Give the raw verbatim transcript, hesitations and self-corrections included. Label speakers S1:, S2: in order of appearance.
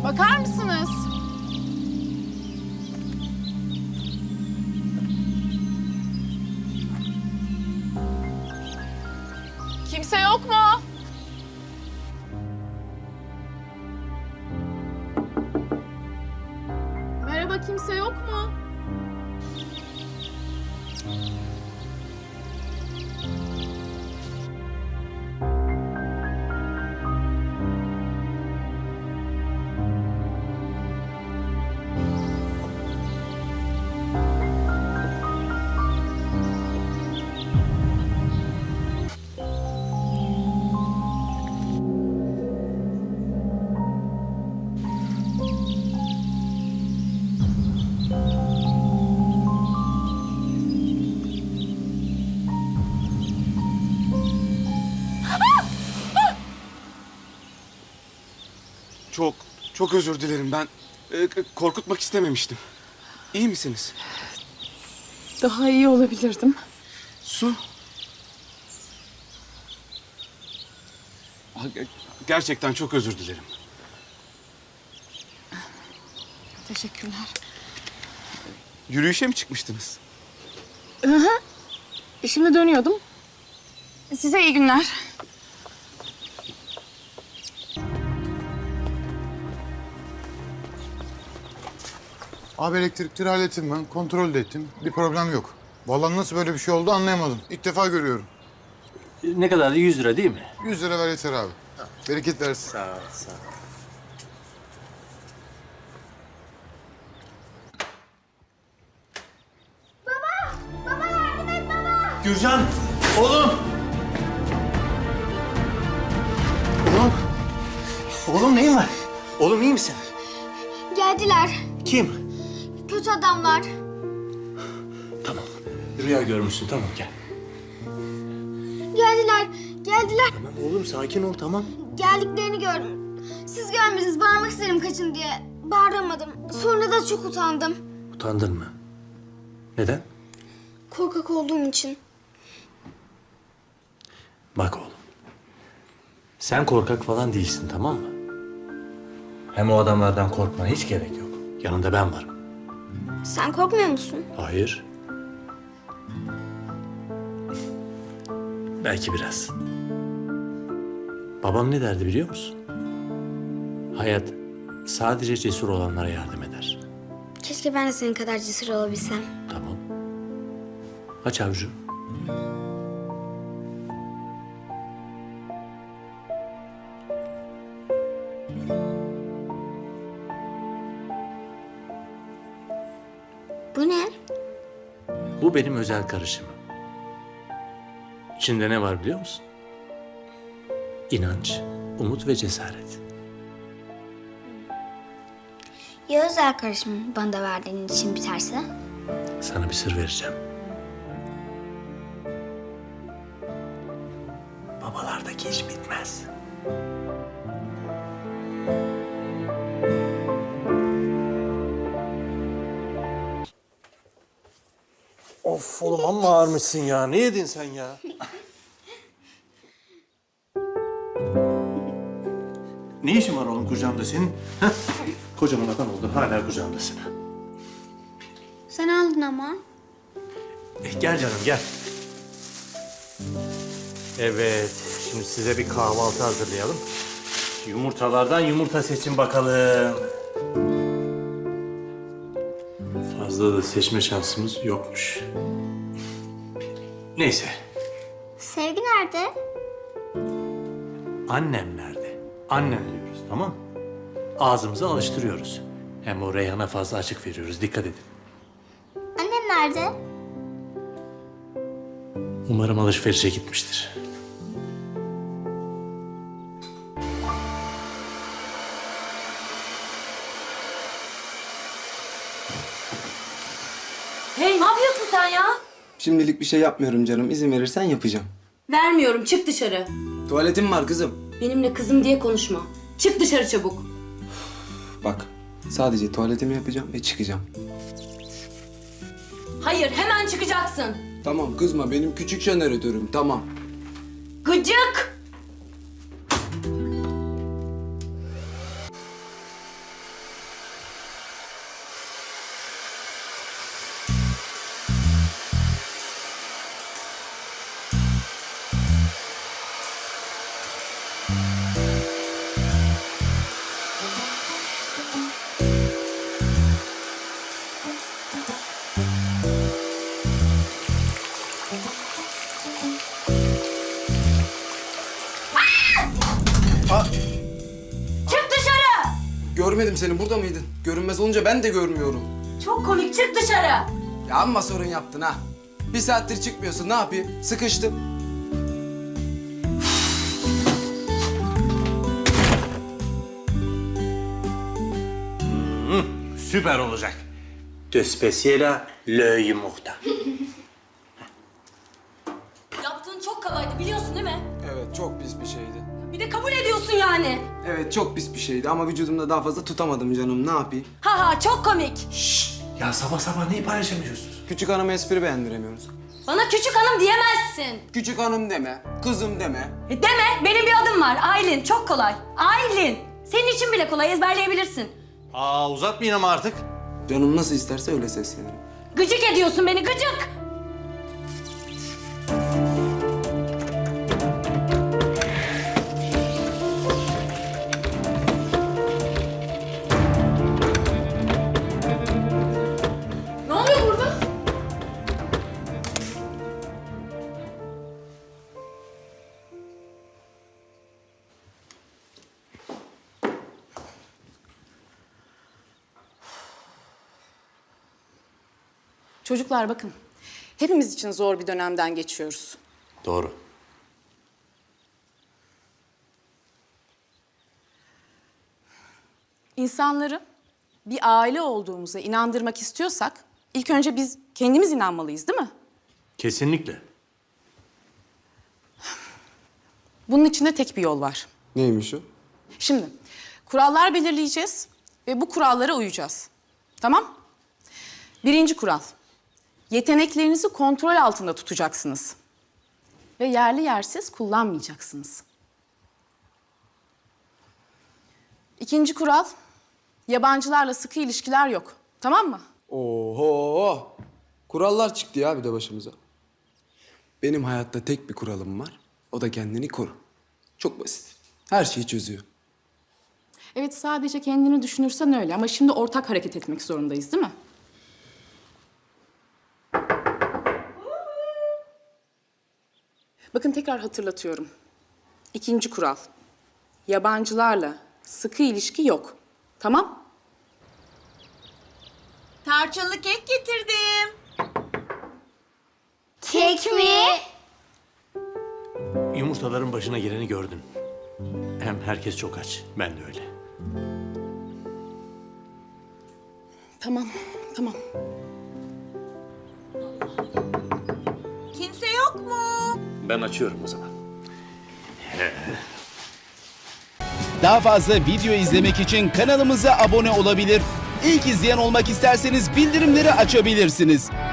S1: Bakar mısınız? Kimse yok mu? Merhaba, kimse yok mu?
S2: Çok, çok özür dilerim. Ben e, korkutmak istememiştim. İyi misiniz?
S1: Daha iyi olabilirdim.
S2: Su. Ha, ge- Gerçekten çok özür dilerim.
S1: Teşekkürler.
S2: Yürüyüşe mi çıkmıştınız?
S1: Şimdi dönüyordum. Size iyi günler.
S3: Abi elektrikleri hallettim ben. Kontrol de ettim. Bir problem yok. Vallahi nasıl böyle bir şey oldu anlayamadım. İlk defa görüyorum.
S4: Ne kadardı? yüz lira değil mi?
S3: Yüz lira ver yeter abi. Bereket versin.
S4: Sağ ol, sağ ol. Gürcan! Oğlum! Oğlum! Oğlum neyin var? Oğlum iyi misin?
S5: Geldiler.
S4: Kim?
S5: Kötü adamlar.
S4: Tamam. Rüya görmüşsün, tamam gel.
S5: Geldiler. Geldiler.
S4: Tamam oğlum sakin ol, tamam.
S5: Geldiklerini gördüm. Siz görmediniz. Bağırmak istedim kaçın diye. Bağıramadım. Sonra da çok utandım.
S4: Utandın mı? Neden?
S5: Korkak olduğum için.
S4: Bak oğlum. Sen korkak falan değilsin, tamam mı? Hem o adamlardan korkmana hiç gerek yok. Yanında ben varım.
S5: Sen korkmuyor musun?
S4: Hayır. Belki biraz. Babam ne derdi biliyor musun? Hayat sadece cesur olanlara yardım eder.
S5: Keşke ben de senin kadar cesur olabilsem.
S4: Tamam. Aç avucu.
S5: Bu ne?
S4: Bu benim özel karışımım. İçinde ne var biliyor musun? İnanç, umut ve cesaret.
S5: Ya özel karışım bana da verdiğin için biterse?
S4: Sana bir sır vereceğim. Babalardaki iş bitmez. Of oğlum amma ağırmışsın ya. Ne yedin sen ya? Ne işin var oğlum kucağımda senin? Heh? Kocaman adam oldun hala kucağımdasın.
S5: Sen aldın ama.
S4: Eh, gel canım gel. Evet, şimdi size bir kahvaltı hazırlayalım. Yumurtalardan yumurta seçin bakalım. Fazla da seçme şansımız yokmuş. Neyse,
S5: Sevgi nerede?
S4: annem nerede? Annem diyoruz, tamam mı? Ağzımızı alıştırıyoruz. Hem o Reyhan'a fazla açık veriyoruz, dikkat edin.
S5: Annem nerede?
S4: Umarım alışverişe gitmiştir.
S6: Hey, ne yapıyorsun sen ya?
S7: Şimdilik bir şey yapmıyorum canım. İzin verirsen yapacağım.
S6: Vermiyorum, çık dışarı.
S7: Tuvaletim var kızım.
S6: Benimle kızım diye konuşma. Çık dışarı çabuk.
S7: Bak, sadece tuvaletimi yapacağım ve çıkacağım.
S6: Hayır, hemen çıkacaksın.
S7: Tamam kızma, benim küçük jeneratörüm, tamam.
S6: Gıcık!
S7: Aa,
S6: Çık dışarı!
S7: görmedim seni, burada mıydın? Görünmez olunca ben de görmüyorum.
S6: Çok komik, çık dışarı!
S7: Ya amma sorun yaptın ha. Bir saattir çıkmıyorsun, ne yapayım? Sıkıştım.
S4: Süper olacak. De spesiyela le yumurta.
S6: Yaptığın çok kabaydı, biliyorsun değil mi?
S7: Evet, çok pis bir şeydi.
S6: Bir de kabul ediyorsun yani.
S7: Evet, çok pis bir şeydi ama vücudumda daha fazla tutamadım canım, ne yapayım?
S6: Ha ha, çok komik.
S4: Ya sabah sabah neyi paylaşamıyorsunuz?
S7: Küçük hanıma espri beğendiremiyoruz.
S6: Bana küçük hanım diyemezsin.
S7: Küçük hanım deme, kızım deme.
S6: E deme, benim bir adım var. Aylin, çok kolay. Aylin. Senin için bile kolay, ezberleyebilirsin.
S4: Aa uzatmayın ama artık.
S7: Canım nasıl isterse öyle seslenirim.
S6: Gıcık ediyorsun beni, gıcık.
S1: Ne oluyor burada? Çocuklar bakın. Hepimiz için zor bir dönemden geçiyoruz.
S4: Doğru.
S1: İnsanları bir aile olduğumuza inandırmak istiyorsak ilk önce biz kendimiz inanmalıyız, değil mi?
S4: Kesinlikle.
S1: Bunun için de tek bir yol var.
S7: Neymiş o?
S1: Şimdi kurallar belirleyeceğiz ve bu kurallara uyacağız. Tamam? Birinci kural. Yeteneklerinizi kontrol altında tutacaksınız. Ve yerli yersiz kullanmayacaksınız. İkinci kural. Yabancılarla sıkı ilişkiler yok. Tamam mı?
S7: Oho! Kurallar çıktı ya bir de başımıza. Benim hayatta tek bir kuralım var. O da kendini koru. Çok basit. Her şeyi çözüyor.
S1: Evet, sadece kendini düşünürsen öyle ama şimdi ortak hareket etmek zorundayız, değil mi? Bakın tekrar hatırlatıyorum. İkinci kural. Yabancılarla sıkı ilişki yok. Tamam?
S8: Tarçınlı kek getirdim.
S5: Kek mi?
S4: Yumurtaların başına geleni gördün. Hem herkes çok aç. Ben de öyle.
S1: Tamam, tamam.
S8: Kimse yok mu?
S4: Ben açıyorum o zaman.
S9: Daha fazla video izlemek için kanalımıza abone olabilir. İlk izleyen olmak isterseniz bildirimleri açabilirsiniz.